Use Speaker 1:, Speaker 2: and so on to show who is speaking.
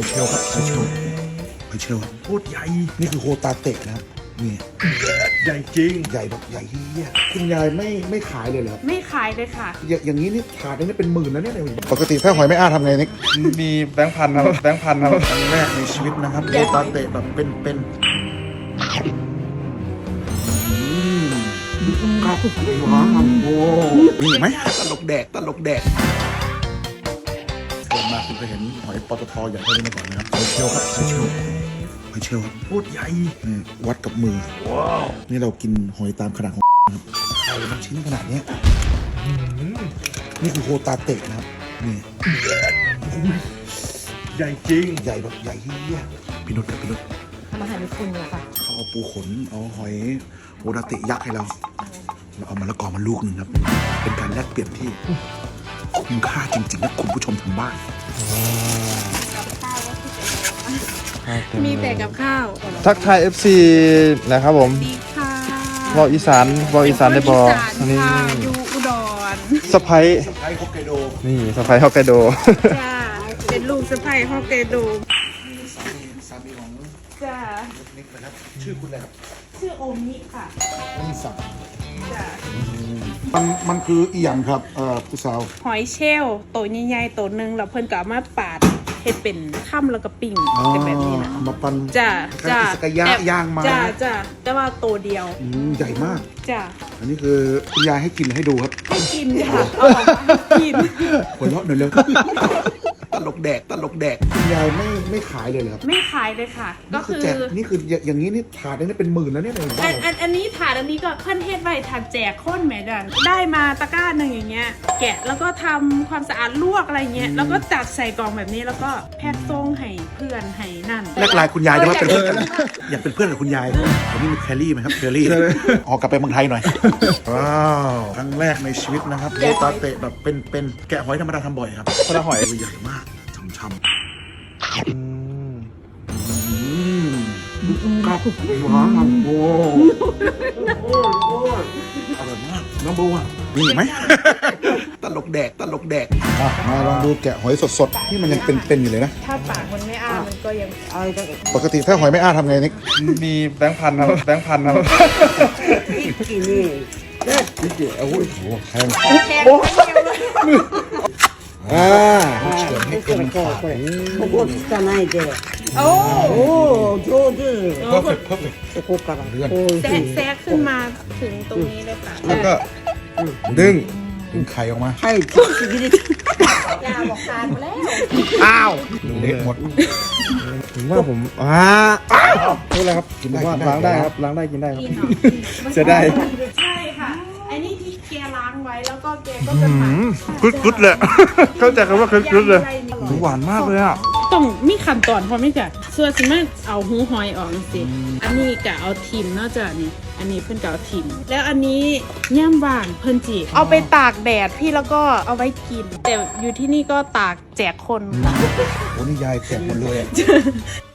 Speaker 1: เชลครับหอยเชลโคตรใหญ่นี่คือโฮตาเตะนะครับนี่ใหญ่จริงใหญ่แบบใหญ่เฮียคุณยายไม่ขายเลยเหรอครับ
Speaker 2: ไม่ขายเลยค่ะ
Speaker 1: อย่างนี้นี่ถาดนึงเป็นหมื่นแล้วเนี่ยปกติถ้าหอยไม่อ้าทำไงนิก
Speaker 3: มีแบงค์พันครับแบงค์พันครับ
Speaker 1: ครั้งแรกในชีวิตนะครับโฮตาเตะแบบเป็นครับว้าวโอ้นี่ไหมตลกแดกเกิดมาคุณเคยเห็นหอยปตทใหญ่เท่านี้มาก่อนนะครับหอยเชลครับหอยเชลโคตรใหญ่นี่วัดกับมือว้าวนี่เรากินหอยตามขนาดของนะครับไข่มันชิ้นขนาดเนี้ยนี่คือโฮตาเตะนะครับนี่ใหญ่จริงใหญ่แบบใหญ่เฮียพี่นุช
Speaker 2: ทำอาหารญี่ปุ่นเลยค่ะ
Speaker 1: เขาเอาปูขนเอาหอยโฮตาเตะยักษ์ให้เราเอามะละกอมาลูกหนึ่งครับ เป็นการแลกเปลี่ยนที่คุ้มค่าจริงๆนะคุณผู้ชมทางบ้าน
Speaker 2: มีแต่กับข้าว
Speaker 3: ทักทาย FC นะครับผม
Speaker 2: ดีค่ะ
Speaker 3: วอลอีสานได้บออันนี้
Speaker 2: ค่ะอยู่อุดร
Speaker 3: สะพ้าย
Speaker 1: ไทยฮอกไกโด
Speaker 3: นี่สะพ้ายฮอกไกโด
Speaker 2: จ้าเป็นลูกสะใภ้ฮอกไกโด
Speaker 1: สามีของ
Speaker 2: จ้า
Speaker 1: นิกนะครับชื่อคุณอะไรครับ
Speaker 2: ชื่อโอมิค่ะ
Speaker 1: นี่สั่ง
Speaker 2: จ้า
Speaker 1: มันคืออีหยังครับผู้สาว
Speaker 2: หอยเชลล์ตัวใหญ่ๆตัวหนึ่งแล้วเพิ่นก็เอามาปาดเฮ็ดเป็นข้ามแล้วก็ปิ้งเป็นแบบนี้นะ
Speaker 1: เอามาปั้น
Speaker 2: จ้า
Speaker 1: คล้ายๆอิสกายะย่างมา
Speaker 2: จ้าแต่ว่าตัวเดียว
Speaker 1: ใหญ่มาก
Speaker 2: จ้า
Speaker 1: อันนี้คือคุณยายให้กินให้ดูครับ
Speaker 2: ให้กินค่ะเอาออกมาให้กิน
Speaker 1: หัวเราะหน่อยเร็ว ตลกแดกคุณยายไม่ขายเลยเหรอครับ
Speaker 2: ไม่ขายเลยค่ะ ก็คือ
Speaker 1: แจกนี่คืออย่างนี้นี่ถาดนึงเป็นหมื่นแล้วเนี่ย
Speaker 2: อันนี้ถาดอันนี้ก็เพิ่นเฮ็ดไว้ถาดแจกคนแหม่ดันได้มาตะกร้าหนึ่งอย่างเงี้ย แกะแล้วก็ทำความสะอาดลวกอะไรเงี้ยแล้วก็จัดใส่กล่องแบบนี้แล้วก็แพ็คส่งให้เพื่อนให้นั่น
Speaker 1: แลกไลน์คุณยายได้ว่าเป็นเพื่อนกันอยากเป็นเพื่อนกับคุณยายวันนี้มีแคลรี่ไหมครับแคลรี่ออกกลับไปเมืองไทยหน่อยว้าวครั้งแรกในชีวิตนะครับโฮตาเตะแบบเป็นแกะหอยธรรมดาทำบ่อยครับ
Speaker 3: คนละหอย
Speaker 1: ใหญ่มากช่ำครับว้าวโอ้อร่อยมากน้องโบอ่ะมีอีกไหมตลกแดกมาลองดูแกะหอยสดๆนี่มันยังเป็นอยู่เลยนะ
Speaker 2: ถ้าปากมันไม่อ้ามันก็ยัง
Speaker 1: ปกติถ้าหอยไม่อ้าทำไงนิก
Speaker 3: มีแบงค์พันครับแบงค์พันครับ
Speaker 1: พี่เก๋โอ้ยโหแทง
Speaker 2: แข็งไม่เดียวเลย
Speaker 1: เฉือนให้เต็มปาก
Speaker 4: ここつかないで。
Speaker 2: โอ้
Speaker 4: おお、上手。
Speaker 1: เพิ่มเลย
Speaker 4: そこから。
Speaker 1: เลื่อน
Speaker 4: こういうふうに。
Speaker 2: แซะขึ้นมาถึงตรงนี้เลยค่ะ
Speaker 3: แล้วก็ดึง
Speaker 1: ดึงไข่ออกมา
Speaker 4: はい、ちょっと切れて。
Speaker 2: ยาบอกทานมาแล้ว
Speaker 1: อ้าวเละหมด
Speaker 3: ผมว่าผมพูดอะไรครับ
Speaker 1: กินได้
Speaker 3: ผมว่า
Speaker 1: กินได้
Speaker 3: ล้างได้ครับล้างได้กินได้ครับ
Speaker 2: กินเหรอ
Speaker 3: เสียดาย
Speaker 2: ใช่ค่ะไอ้นี่ที่แกล้างไว้แล้วก็แกก็จะหมัก
Speaker 3: กึดเลยเข้าใจคำว่ากึดเลยหวานมากเลยอ่ะ
Speaker 2: ต้องมีขั้นตอนพอไหมจ๊ะส่วนสิมาเอาหูหอยออกสิอันนี้กะเอาทิมเนาะจ้ะนี่อันนี้เพิ่นกะเอาทิมแล้วอันนี้ย่ามว่างเพิ่นจีเอาไปตากแดดพี่แล้วก็เอาไว้กิน แต่อยู่ที่นี่ก็ตากแจกคนค่ะ
Speaker 1: โอ้นี่ยายแกะหมดเลยอะ